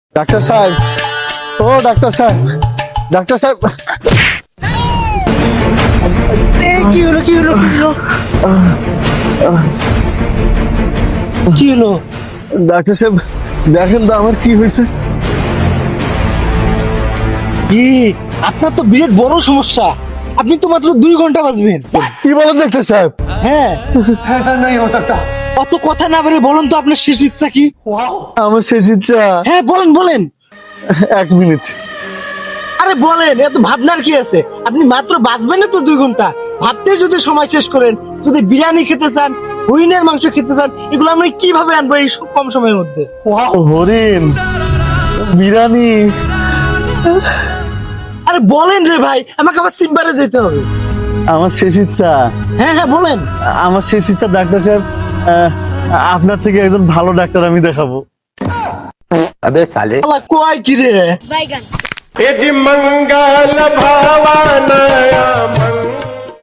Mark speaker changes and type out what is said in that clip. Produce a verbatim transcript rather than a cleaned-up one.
Speaker 1: Doctor সাহেব, ও doctor সাহেব, doctor সাহেব,
Speaker 2: এই কি হলো কি হলো কি হলো কি হলো?
Speaker 1: ডাক্তার সাহেব দেখেন তো আমার কি হয়েছে।
Speaker 2: কি আপনার তো বিরাট বড় সমস্যা, আপনি তো মাত্র দুই ঘন্টা বাঁচবেন।
Speaker 1: কি বলেন ডাক্তার সাহেব?
Speaker 2: হ্যাঁ
Speaker 3: হ্যাঁ স্যার, नहीं हो सकता।
Speaker 2: অত কথা না বলে বলুন তো আপনার শেষ ইচ্ছা কি?
Speaker 1: আমার শেষ ইচ্ছা
Speaker 2: হ্যাঁ বলেন বলেন।
Speaker 1: এক মিনিট।
Speaker 2: আরে বলেন, এত ভাবনার কি আছে? আপনি মাত্র বাঁচবেন না তো দুই ঘন্টা, ভাবতে যদি সময় শেষ করেন। যদি বিরিয়ানি খেতে চান, হরিণের মাংস খেতে চান, এগুলো আমি কিভাবে আনবো এই সব কম সময়ের মধ্যে?
Speaker 1: হরিণ, বিরিয়ানি,
Speaker 2: আরে বলেন রে ভাই, আমাকে আবার সিম্বারে যেতে হবে।
Speaker 1: আমার শেষ ইচ্ছা,
Speaker 2: হ্যাঁ হ্যাঁ বলেন।
Speaker 1: আমার শেষ ইচ্ছা ডাক্তার সাহেব, আহ, আপনার থেকে একজন ভালো ডাক্তার আমি দেখাবো।
Speaker 4: अबे साले
Speaker 2: আল্লাহ কয় কি রে?
Speaker 5: बैगन
Speaker 3: मंगल भावना